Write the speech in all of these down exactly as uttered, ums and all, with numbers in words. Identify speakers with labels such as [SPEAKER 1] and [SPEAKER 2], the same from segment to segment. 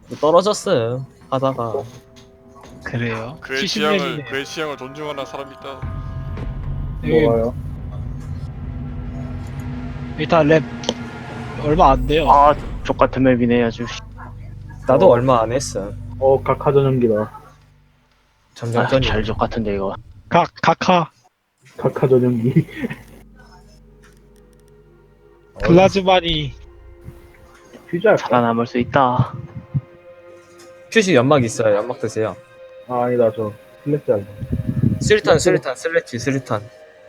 [SPEAKER 1] 떨어졌음 하다가.
[SPEAKER 2] 그래요?
[SPEAKER 3] 그의
[SPEAKER 2] 칠십
[SPEAKER 3] 취향을
[SPEAKER 2] 렙이네.
[SPEAKER 3] 그의 취향을 존중하는 사람이 있다.
[SPEAKER 4] 뭐가요?
[SPEAKER 2] 일단 랩 얼마 안 돼요.
[SPEAKER 5] 아, 족같은 맵이네, 아주.
[SPEAKER 1] 나도
[SPEAKER 4] 어.
[SPEAKER 1] 얼마 안 했어.
[SPEAKER 4] 어, 각하 전용기다.
[SPEAKER 1] 점점
[SPEAKER 5] 아,
[SPEAKER 1] 전이.
[SPEAKER 5] 잘 족같은데, 이거.
[SPEAKER 2] 각 각하
[SPEAKER 4] 각하 전용기.
[SPEAKER 2] 글라즈만이
[SPEAKER 4] 휴지 할까?
[SPEAKER 5] 살아남을 수 있다.
[SPEAKER 1] 퓨시 연막 있어요. 연막 드세요.
[SPEAKER 4] 아, 아니다, 저 슬래시 할래.
[SPEAKER 1] 스리탄 스리탄 슬래치 스리탄.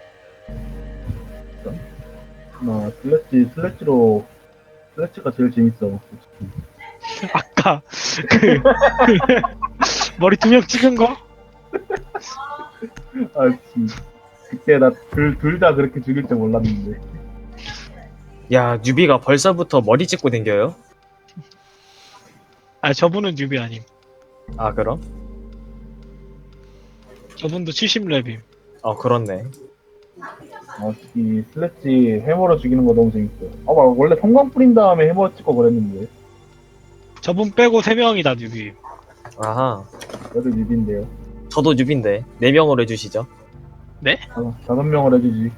[SPEAKER 4] 나 슬래시, 슬래시로, 슬래시가 제일 재밌어.
[SPEAKER 2] 아까 그 머리 두 명 찍은 거?
[SPEAKER 4] 아, 진 그때 나 둘, 둘 다 그렇게 죽일 줄 몰랐는데.
[SPEAKER 1] 야 뉴비가 벌써부터 머리 찍고 댕겨요?
[SPEAKER 2] 아 저분은 뉴비 아님.
[SPEAKER 1] 아 그럼?
[SPEAKER 2] 저분도 칠십 렙임.
[SPEAKER 1] 어 그렇네.
[SPEAKER 4] 아, 이 슬래시 해머로 죽이는 거 너무 재밌어요. 아, 막 원래 성광 뿌린 다음에 해머 찍고 그랬는데.
[SPEAKER 2] 저분 빼고 세 명이 다 뉴비.
[SPEAKER 1] 아하.
[SPEAKER 4] 그래도 뉴비인데요.
[SPEAKER 1] 저도 뉴비인데 네 명으로 해주시죠.
[SPEAKER 4] 아, 다섯 명을 해주지.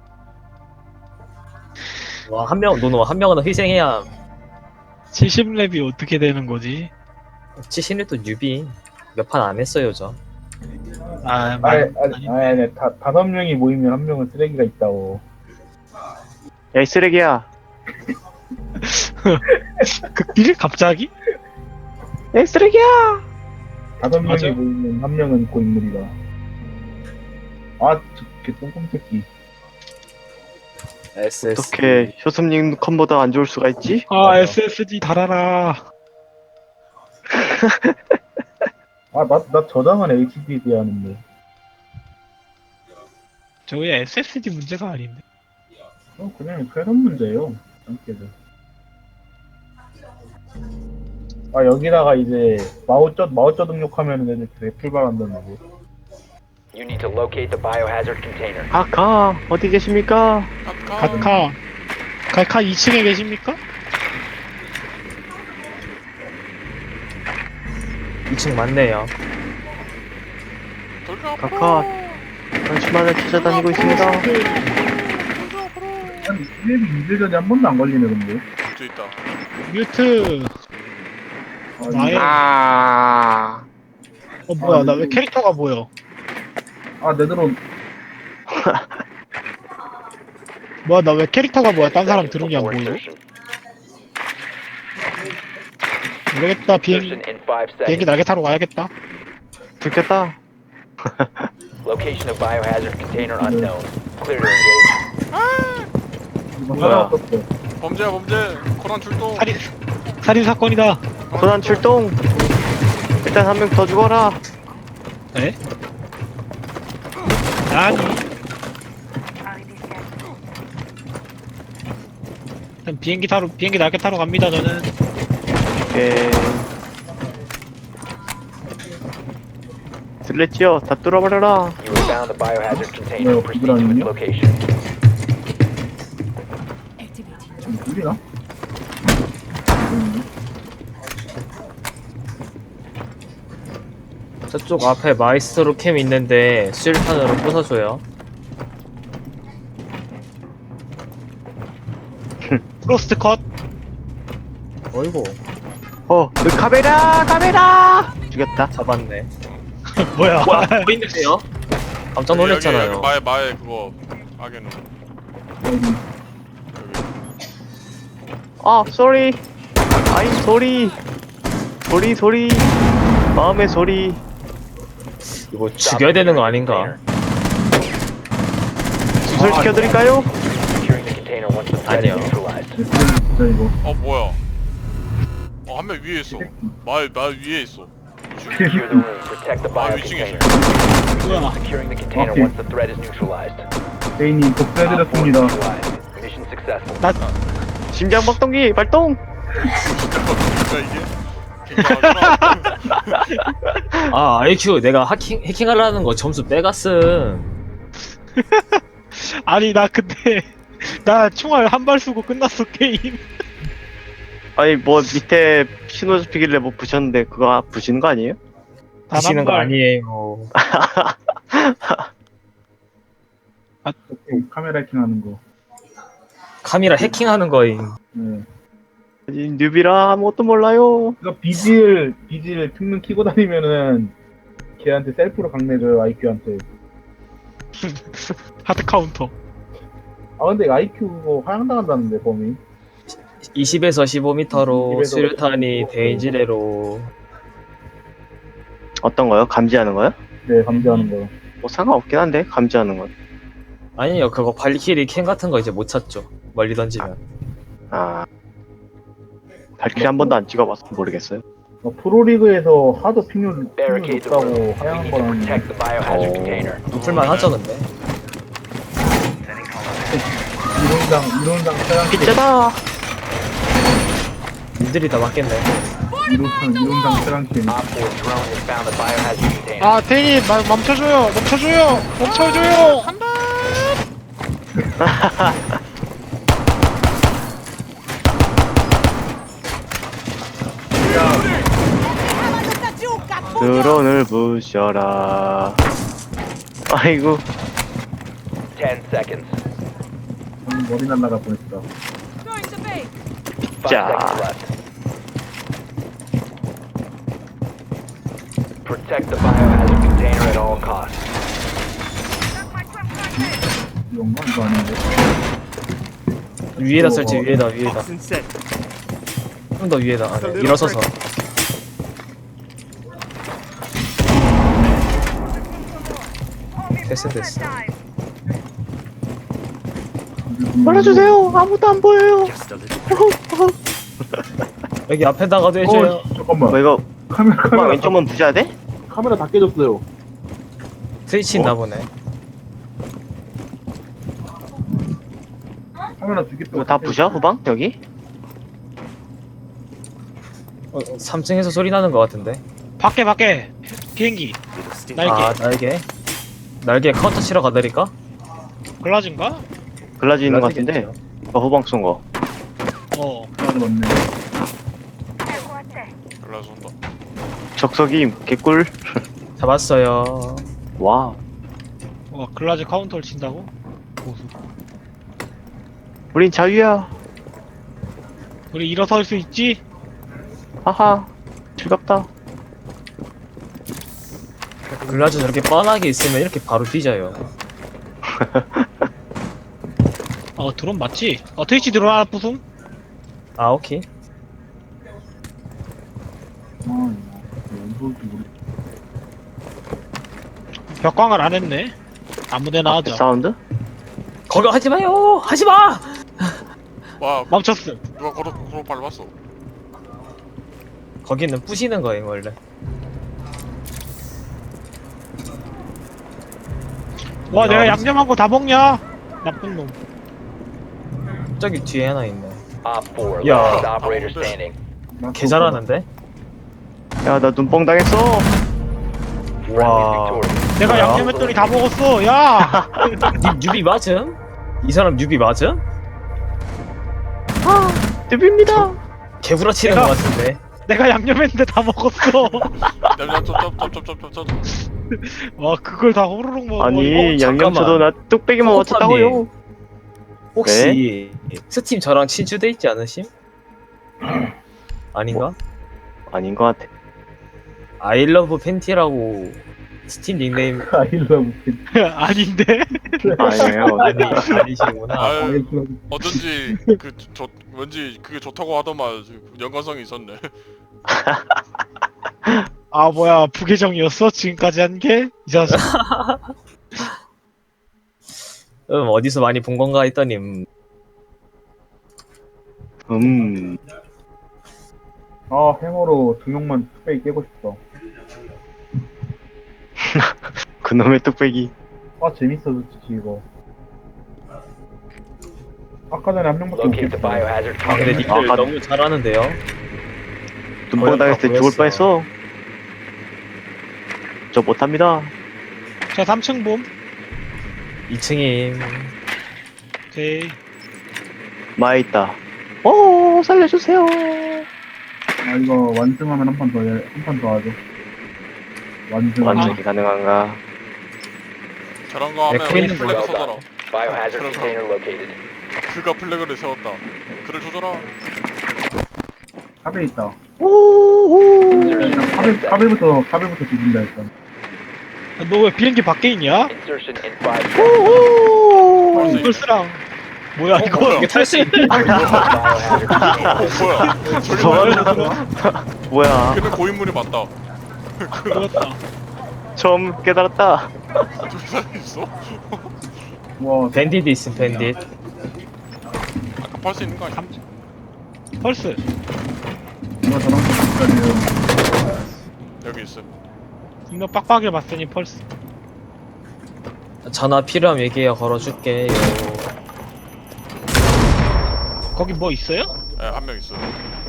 [SPEAKER 1] 와 한 명 노노 한 명은 희생해야.
[SPEAKER 2] 칠십 렙이 어떻게 되는 거지?
[SPEAKER 1] 치신이 또 뉴비 몇 판 안 했어요 저.
[SPEAKER 2] 아,
[SPEAKER 4] 아니,
[SPEAKER 2] 말,
[SPEAKER 4] 아니,
[SPEAKER 2] 아니,
[SPEAKER 4] 아니, 아니, 다, 다섯 명이 모이면 한 명은 쓰레기가 있다고.
[SPEAKER 5] 야, 이 쓰레기야.
[SPEAKER 2] 극딜? 갑자기?
[SPEAKER 5] 야, 이 쓰레기야!
[SPEAKER 4] 다섯 명이
[SPEAKER 2] 맞아.
[SPEAKER 4] 모이면 한 명은 고인물이다. 아, 저, 개 똥꿈 새끼.
[SPEAKER 1] 에스에스.
[SPEAKER 5] 어떻게 효섭님 컴보다 안 좋을 수가 있지?
[SPEAKER 2] 아
[SPEAKER 4] 맞아.
[SPEAKER 2] 에스에스디 달아라.
[SPEAKER 4] 아, 나, 나 저장은 에이치디디 하는데.
[SPEAKER 2] 저게 에스에스디 문제가 아닌데.
[SPEAKER 4] 어, 그냥 패런 문제예요. 짱깨들. 아, 여기다가 이제 마우쩌, 마우쩌 등록하면 애들 대출발한다는 거.
[SPEAKER 6] You need to locate the biohazard container.
[SPEAKER 5] 아까, 어디 계십니까?
[SPEAKER 3] 아까
[SPEAKER 2] 카카 카카 이 층에 계십니까?
[SPEAKER 1] 이 층 맞네요.
[SPEAKER 3] 돌가
[SPEAKER 5] 카카, 당신만을 찾아다니고 있습니다.
[SPEAKER 4] 한 일일이 이틀 전에 한 번도 안 걸리네, 근데.
[SPEAKER 3] 저 있다.
[SPEAKER 2] 뮤트.
[SPEAKER 4] 아,
[SPEAKER 2] 나의
[SPEAKER 5] 아,
[SPEAKER 2] 어 뭐야 나 왜 캐릭터가 보여?
[SPEAKER 4] 아, 내드론.
[SPEAKER 2] 뭐야 나 왜 캐릭터가 뭐야? 딴 사람 들은 게 안
[SPEAKER 6] Before
[SPEAKER 2] 보이고?
[SPEAKER 6] insertion.
[SPEAKER 2] 모르겠다. 비행
[SPEAKER 6] Insertion in five
[SPEAKER 2] 비행기
[SPEAKER 6] seconds.
[SPEAKER 2] 날개 타러 가야겠다.
[SPEAKER 5] 들켰다.
[SPEAKER 6] Location of biohazard container unknown. Clear to engage.
[SPEAKER 4] 이거
[SPEAKER 5] 뭐야?
[SPEAKER 4] 하나 없었어.
[SPEAKER 3] 범죄야 범죄. 코난 출동.
[SPEAKER 2] 살인 살인 사건이다.
[SPEAKER 5] 고난 출동! 일단 한 명 더 죽어라.
[SPEAKER 2] 에? 아니. 일단 비행기 타러 비행기 날개 타러 갑니다. 저는
[SPEAKER 5] 오케이. 슬래치요, 다 뚫어버려라.
[SPEAKER 6] You have found the biohazard container.
[SPEAKER 4] 네,
[SPEAKER 6] Proceed to its
[SPEAKER 4] 그거라는요?
[SPEAKER 6] location.
[SPEAKER 4] 지금 둘이나?
[SPEAKER 1] 저쪽 앞에 마이스트로 캠 있는데 수류탄으로 부숴줘요.
[SPEAKER 2] 프로스트 컷.
[SPEAKER 1] 어이구
[SPEAKER 5] 어, 그 카메라, 카메라! 죽였다.
[SPEAKER 1] 잡았네.
[SPEAKER 2] 뭐야?
[SPEAKER 1] 뭐 있는데요? 깜짝 놀랐잖아요.
[SPEAKER 3] 여기, 여기 마에 마에 그거 악에는
[SPEAKER 4] 여기.
[SPEAKER 3] 여기.
[SPEAKER 5] 아, 쏘리. 아이, 소리. 소리, 소리. 마음의 소리.
[SPEAKER 1] 이거 죽여야 되는 거 아닌가?
[SPEAKER 5] 수술시켜드릴까요?
[SPEAKER 6] Securing the container once the threat is
[SPEAKER 1] 아니요.
[SPEAKER 6] neutralized.
[SPEAKER 4] 진짜 이거.
[SPEAKER 3] 어 뭐야? 어 한 명 위에 있어. 마에 마 위에 있어.
[SPEAKER 6] Secure the room. Protect the
[SPEAKER 3] 아
[SPEAKER 6] bio
[SPEAKER 3] 위층에 있어.
[SPEAKER 6] container.
[SPEAKER 2] 뭐야?
[SPEAKER 6] Securing the container
[SPEAKER 4] 오케이.
[SPEAKER 6] once the threat is neutralized.
[SPEAKER 4] 대인이 복수해드렸습니다.
[SPEAKER 6] Neutralized. Mission successful.
[SPEAKER 2] 나
[SPEAKER 5] 심장 박동기 발동!
[SPEAKER 3] 진짜 이게 굉장하구나.
[SPEAKER 1] 아 아이큐 내가 해킹 해킹하려는 거 점수 빼갔음.
[SPEAKER 2] 아니 나 근데 나 총알 한 발 쏘고 끝났어 게임.
[SPEAKER 5] 아니 뭐 밑에 신호 잡히길래 뭐 부셨는데 그거 부시는 거 아니에요?
[SPEAKER 1] 하시는 거
[SPEAKER 2] 발.
[SPEAKER 1] 아니에요.
[SPEAKER 4] 오케이, 카메라 해킹하는 거.
[SPEAKER 1] 카메라 해킹하는 거임.
[SPEAKER 4] 네.
[SPEAKER 5] 아니, 뉴비라 아무것도 몰라요.
[SPEAKER 4] 그러니까 비질 비질 특능 키고 다니면은 걔한테 셀프로 강내줘요 아이큐한테.
[SPEAKER 2] 하드 카운터.
[SPEAKER 4] 아 근데 아이큐 그거 하향당한다는데 범위.
[SPEAKER 1] 이십에서 십오 미터로
[SPEAKER 4] 이십에서
[SPEAKER 1] 수류탄이
[SPEAKER 4] 십오.
[SPEAKER 1] 대인지대로.
[SPEAKER 5] 어떤 거요? 감지하는 거요?
[SPEAKER 4] 네 감지하는 거.
[SPEAKER 5] 뭐 상관없긴 한데 감지하는 건.
[SPEAKER 1] 아니요, 그거 발키리 캠 같은 거 이제 못 찾죠. 멀리 던지면.
[SPEAKER 5] 아 발키리 한 번도 안 찍어봐서 모르겠어요.
[SPEAKER 4] 어, 프로리그에서 하도 핑률 핑률
[SPEAKER 6] Barricade the room.
[SPEAKER 4] 높다고
[SPEAKER 6] We
[SPEAKER 4] 하향한
[SPEAKER 6] need to
[SPEAKER 4] 거라는
[SPEAKER 6] protect the biohazard
[SPEAKER 5] Oh.
[SPEAKER 6] container.
[SPEAKER 1] 높을만 하죠, 근데.
[SPEAKER 4] 이론상 이론상 차량
[SPEAKER 5] 빗자다.
[SPEAKER 1] 님들이 다 맞겠네.
[SPEAKER 4] 이론상 이론상 차량 캠.
[SPEAKER 6] Op four drone has found the biohazard container.
[SPEAKER 2] 아 대리 마- 멈춰줘요. 멈춰줘요. 멈춰줘요. 한다.
[SPEAKER 5] 드론을 부셔라. 아이고.
[SPEAKER 6] Ten seconds.
[SPEAKER 4] 음, 머리 날라가 보냈다.
[SPEAKER 6] Five
[SPEAKER 5] 자.
[SPEAKER 6] seconds left. Protect the biohazard container at all costs.
[SPEAKER 4] 이건가 이거 아닌데.
[SPEAKER 1] 위에다 설치, 위에다, 위에다. 좀 더 위에다. 아, 네. 일어서서. 됐어, 됐어.
[SPEAKER 5] 말아주세요. 아무도 안 보여요.
[SPEAKER 1] 여기 앞에다가도 해줘요.
[SPEAKER 4] 어, 잠깐만.
[SPEAKER 5] 뭐 이거
[SPEAKER 4] 카메라
[SPEAKER 5] 후방
[SPEAKER 4] 카메라
[SPEAKER 5] 왼쪽만 부셔야 돼?
[SPEAKER 4] 카메라 다 깨졌어요.
[SPEAKER 1] 트위치 있나 보네.
[SPEAKER 4] 카메라 두 개.
[SPEAKER 5] 이거 다 부셔 후방 여기?
[SPEAKER 1] 어, 삼 층에서 소리 나는 것 같은데.
[SPEAKER 2] 밖에 밖에 비행기. 날개.
[SPEAKER 1] 아, 날개. 날개 카운터 치러 가드릴까?
[SPEAKER 2] 글라즈인가?
[SPEAKER 5] 글라지 있는 것 같은데. 어, 후방 쏜 거.
[SPEAKER 2] 어.
[SPEAKER 4] 카메라 맞네.
[SPEAKER 3] 연락 온다.
[SPEAKER 5] 적석이 개꿀.
[SPEAKER 1] 잡았어요.
[SPEAKER 5] 와.
[SPEAKER 2] 어 글라즈 카운터를 친다고? 고수.
[SPEAKER 5] 우린 자유야.
[SPEAKER 2] 우리 일어설 수 있지?
[SPEAKER 5] 하하. 즐겁다.
[SPEAKER 1] 글라즈 저렇게 뻔하게 있으면 이렇게 바로 뒤져요.
[SPEAKER 2] 어 드론 맞지? 어 트위치 드론 하나 부숨?
[SPEAKER 1] 아, 오케이.
[SPEAKER 4] 아, 이거 연소도 모르.
[SPEAKER 2] 벽광을 안 했네. 아무데나 하자.
[SPEAKER 5] 사운드?
[SPEAKER 1] 거기 하지 마요! 하지 마!
[SPEAKER 3] 와,
[SPEAKER 2] 멈췄음.
[SPEAKER 3] 누가 걸어 걸어 밟았어.
[SPEAKER 1] 거기는 부시는 거예요, 원래.
[SPEAKER 2] 와
[SPEAKER 1] 야,
[SPEAKER 2] 내가
[SPEAKER 1] 무슨-
[SPEAKER 2] 양념한 거 다 먹냐? 나쁜 놈.
[SPEAKER 1] 저기 뒤에 하나 있네.
[SPEAKER 6] Op four,
[SPEAKER 1] Yeah.
[SPEAKER 6] last operator standing.
[SPEAKER 1] 개 잘하는데?
[SPEAKER 5] 야, 나 눈뻥 당했어.
[SPEAKER 6] Friendly
[SPEAKER 1] 와.
[SPEAKER 6] victorious.
[SPEAKER 2] 내가
[SPEAKER 1] 뭐야?
[SPEAKER 2] 양념했더니 다 먹었어. 야.
[SPEAKER 1] 뉴, 뉴비 맞음? 이 사람 뉴비 맞음?
[SPEAKER 5] 뚜비입니다.
[SPEAKER 1] 개구라치는
[SPEAKER 2] 내가-
[SPEAKER 1] 것 같은데.
[SPEAKER 2] 내가 양념했는데 다 먹었어.
[SPEAKER 3] 냠냠쩝쩝쩝쩝쩝쩝.
[SPEAKER 2] 와 그걸 다 호로록 먹어.
[SPEAKER 5] 아니,
[SPEAKER 1] 어,
[SPEAKER 5] 양념쳐도 나 뚝배기만
[SPEAKER 1] 코코팜님.
[SPEAKER 5] 맞췄다고요.
[SPEAKER 1] 혹시 스팀 저랑 친추돼 있지 않으심? 아닌가?
[SPEAKER 5] 아닌 것 같아.
[SPEAKER 1] 아이러브 팬티라고 스팀 닉네임
[SPEAKER 4] 아이러브
[SPEAKER 2] 아닌데?
[SPEAKER 5] 아니에요.
[SPEAKER 1] 아니, 아니시구나.
[SPEAKER 3] 아유,
[SPEAKER 4] 아이러브
[SPEAKER 3] 어쩐지 그 저 왠지 그게 좋다고 하더만 연관성이 있었네.
[SPEAKER 2] 아 뭐야 부계정이었어? 지금까지 한 게? 이 자식.
[SPEAKER 1] 음, 어디서 많이 본 건가 했더니 음,
[SPEAKER 5] 음.
[SPEAKER 4] 아 해머로 두 명만 뚝배기 깨고 싶다.
[SPEAKER 5] 그놈의 뚝배기.
[SPEAKER 4] 아 재밌어 솔직히 이거. 아까 전에 한 명밖에 못
[SPEAKER 6] Locate the
[SPEAKER 4] 깼어.
[SPEAKER 6] biohazard
[SPEAKER 1] 아 근데
[SPEAKER 6] container.
[SPEAKER 1] 니들
[SPEAKER 5] 아,
[SPEAKER 1] 너무 잘하는데요?
[SPEAKER 5] 눈뻥 당했을 때 죽을 뻔했어. 저 못합니다.
[SPEAKER 2] 자 삼 층 봄.
[SPEAKER 1] 이 층임.
[SPEAKER 2] 오케이.
[SPEAKER 5] 마에 있다. 오. 살려주세요.
[SPEAKER 4] 아 이거 완승하면 한 판 더 해, 한 판 더 하죠. 완승.
[SPEAKER 5] 완전히 가능한가?
[SPEAKER 3] 저런 거 하면
[SPEAKER 1] 네, 코인
[SPEAKER 3] 플래그
[SPEAKER 6] Well
[SPEAKER 3] 써줘라.
[SPEAKER 6] done. Biohazard container located.
[SPEAKER 3] 그가 플래그를 세웠다. 그를 조져라.
[SPEAKER 4] 카베 있다.
[SPEAKER 6] Insertion
[SPEAKER 4] 일단
[SPEAKER 6] in
[SPEAKER 4] 카베,
[SPEAKER 6] ten seconds.
[SPEAKER 4] 카베부터, 카베부터 죽인다 일단.
[SPEAKER 2] 너 왜 비행기 밖에 있냐?
[SPEAKER 6] Insertion in five seconds.
[SPEAKER 3] 할수 있네.
[SPEAKER 2] 펄스랑 뭐야
[SPEAKER 3] 어,
[SPEAKER 2] 이거?
[SPEAKER 3] 뭐야?
[SPEAKER 1] 이게 탈 수 있네.
[SPEAKER 6] Biohazard container.
[SPEAKER 3] 어 뭐야? 저기
[SPEAKER 5] 뭐야?
[SPEAKER 3] 걔는 고인물이 맞다.
[SPEAKER 2] 그렇다.
[SPEAKER 5] 처음 깨달았다.
[SPEAKER 3] 두 사람 있어?
[SPEAKER 4] 와,
[SPEAKER 1] 밴디드 있음 밴디드.
[SPEAKER 3] 아까 팔 수 있는 거 아니야?
[SPEAKER 2] 펄스.
[SPEAKER 4] 누가 저랑 비슷하네요.
[SPEAKER 3] 여기 있어.
[SPEAKER 2] 분명 빡빡해 봤으니 펄스.
[SPEAKER 1] 전화 필요하면 얘기해 걸어줄게요.
[SPEAKER 2] 거기 뭐 있어요?
[SPEAKER 3] 예, 한 명 있어.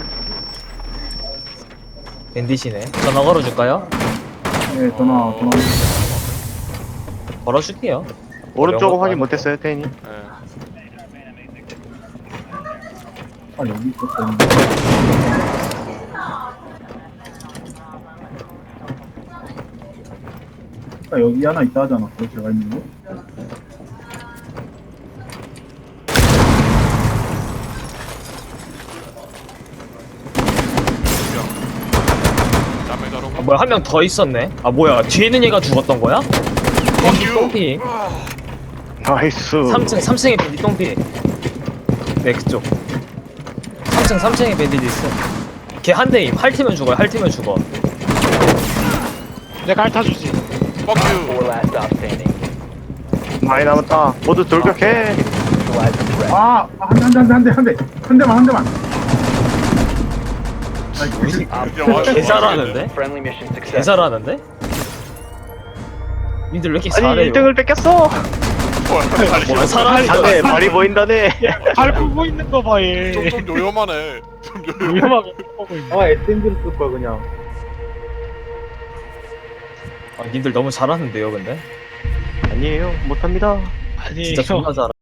[SPEAKER 1] 밴디시네. 전화 걸어줄까요?
[SPEAKER 4] 네, 전화, 전화.
[SPEAKER 1] 걸어줄게요.
[SPEAKER 5] 오른쪽은 확인 못했어요, 태인이.
[SPEAKER 3] 예.
[SPEAKER 4] 아, 여기 있었던. 아, 여기 하나 있다 하잖아. 거기 제가 있는 거.
[SPEAKER 3] 남의 자로.
[SPEAKER 1] 아, 뭐야 한 명 더 있었네. 아 뭐야 뒤에 있는 얘가 죽었던 거야? 밴디 똥피.
[SPEAKER 5] 나이스.
[SPEAKER 1] 삼 층 삼 층에 밴디 똥피. 네 그쪽. 삼 층 삼 층에 밴디도 있어. 걔 한 대임. 핥으면 죽어요. 핥으면 죽어.
[SPEAKER 2] 내가 핥아주지.
[SPEAKER 3] Fuck you.
[SPEAKER 6] Four last stop standing.
[SPEAKER 5] 많이 남았다. 모두 돌격해.
[SPEAKER 6] Neutralize the threat.
[SPEAKER 4] 아, 아, 한 대, 한 대, 한 대, 한 대, 한 대. 한 대만, 한 대만. 아이, 그,
[SPEAKER 6] Op
[SPEAKER 3] 야,
[SPEAKER 6] four
[SPEAKER 3] 맞아.
[SPEAKER 1] 개 잘하는데?
[SPEAKER 6] Friendly mission
[SPEAKER 1] 개
[SPEAKER 6] success.
[SPEAKER 1] 잘하는데? 니들 왜 이렇게
[SPEAKER 5] 아니
[SPEAKER 1] 잘해요?
[SPEAKER 5] 일 등을 뺏겼어.
[SPEAKER 1] 뭐야 사람이
[SPEAKER 5] 다네 말이 보인다네.
[SPEAKER 2] 잘 보고 있는 거 봐 얘.
[SPEAKER 3] 좀, 좀 요염하네. 좀 요염.
[SPEAKER 2] 위험하게 보고 있네.
[SPEAKER 4] 아, 에스엠지를 쓸 거야, 그냥.
[SPEAKER 1] 아, 님들 너무 잘하는데요 근데?
[SPEAKER 5] 아니에요, 못합니다.
[SPEAKER 2] 아니
[SPEAKER 1] 진짜
[SPEAKER 2] 형.
[SPEAKER 1] 존나 잘하